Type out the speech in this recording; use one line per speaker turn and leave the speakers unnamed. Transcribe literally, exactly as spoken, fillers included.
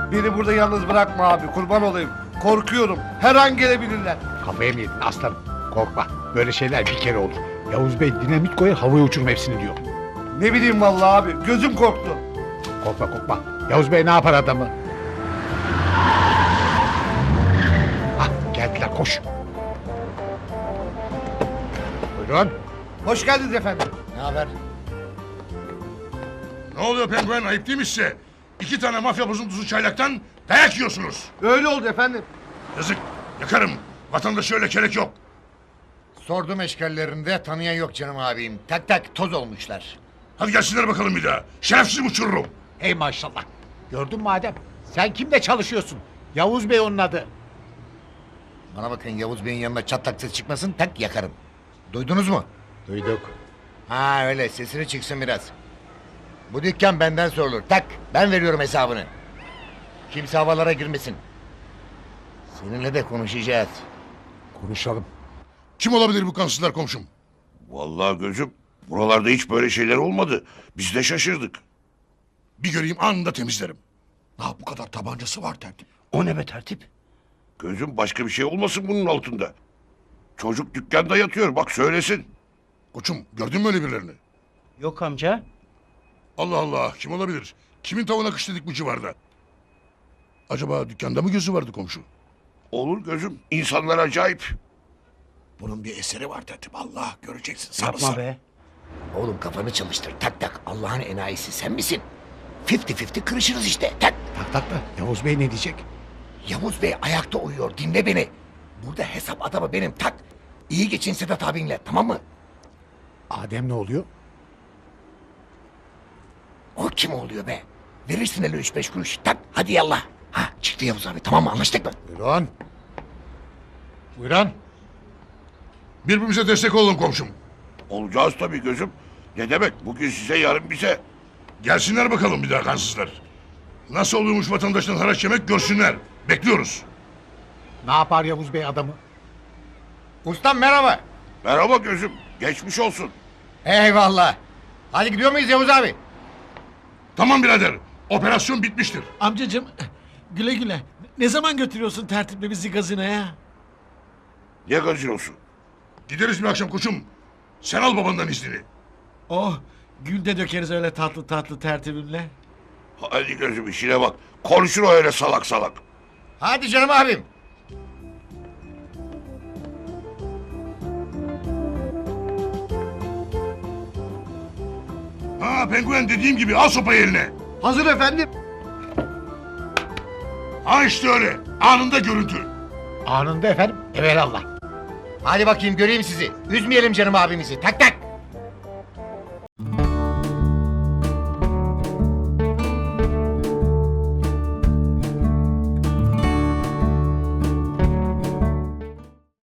Beni burada yalnız bırakma abi, kurban olayım. Korkuyorum, her an gelebilirler.
Kafaya mı yedin aslanım? Korkma. Böyle şeyler bir kere olur. Yavuz Bey dinamit koyar havaya uçurum hepsini diyor.
Ne bileyim vallahi abi, gözüm korktu.
Korkma korkma. Yavuz Bey ne yapar adamı? Ah geldiler koş. Buyurun.
Hoş geldiniz efendim.
Ne haber?
Ne oluyor penguen, ayıp değil mi size? İki tane mafya bozuntusu çaylaktan dayak yiyorsunuz.
Öyle oldu efendim.
Yazık, yakarım. Vatandaşı öyle kelek yok.
Sordum eşkallerinde tanıyan yok canım abim. Tak tak toz olmuşlar.
Hadi gelsinler bakalım bir daha. Şerefsiz uçururum.
Ey maşallah. Gördün mü Adem? Sen kimle çalışıyorsun? Yavuz Bey onun adı.
Bana bakın Yavuz Bey'in yanına çatlak ses çıkmasın tak yakarım. Duydunuz mu?
Duyduk.
Ha öyle sesini çıksın biraz. Bu dükkan benden sorulur. Tak ben veriyorum hesabını. Kimse havalara girmesin. Seninle de konuşacağız.
Konuşalım.
Kim olabilir bu kansızlar komşum?
Vallahi gözüm, buralarda hiç böyle şeyler olmadı. Biz de şaşırdık.
Bir göreyim anında temizlerim. Ne bu kadar tabancası var tertip.
O ne be tertip? Gözüm başka bir şey olmasın bunun altında. Çocuk dükkanda yatıyor, bak söylesin.
Koçum gördün mü öyle birilerini?
Yok amca.
Allah Allah, kim olabilir? Kimin tavuğuna kış dedik bu civarda? Acaba dükkanda mı gözü vardı komşu?
Olur gözüm, insanlar acayip.
Bunun bir eseri var tertip. Allah göreceksin.
Yapma be.
Oğlum kafanı çalıştır. Tak tak Allah'ın enayisi sen misin? Fifty fifty kırışırız işte. Tak.
Tak tak da Yavuz Bey ne diyecek?
Yavuz Bey ayakta uyuyor. Dinle beni. Burada hesap adamı benim. Tak. İyi geçin Sedat abinle. Tamam mı?
Adem ne oluyor?
O kim oluyor be? Verirsin hele üç beş kuruş. Tak. Hadi yallah. Ha çıktı Yavuz abi. Tamam mı? Anlaştık mı?
Buyurun. Buyurun.
Birbirimize destek olalım komşum.
Olacağız tabii gözüm. Ne demek, bugün size yarın bize.
Gelsinler bakalım bir daha kansızlar. Nasıl oluyormuş vatandaştan haraç yemek görsünler. Bekliyoruz.
Ne yapar Yavuz Bey adamı?
Ustam merhaba.
Merhaba gözüm, geçmiş olsun.
Eyvallah. Hadi gidiyor muyuz Yavuz abi?
Tamam birader, operasyon bitmiştir.
Amcacığım güle güle. Ne zaman götürüyorsun tertiple bizi gazinoya?
Ne gazinosu?
Gideriz bir akşam koçum. Sen al babandan iznini.
Oh gül de dökeriz öyle tatlı tatlı tertibimle.
Hadi gözüm işine bak. Konuşur o öyle salak salak.
Hadi canım abim.
Ha penguen dediğim gibi al sopayı eline.
Hazır efendim.
Ha işte öyle. Anında görüntü.
Anında efendim. Evelallah.
Hadi bakayım göreyim sizi. Üzmeyelim canım abimizi. Tak tak.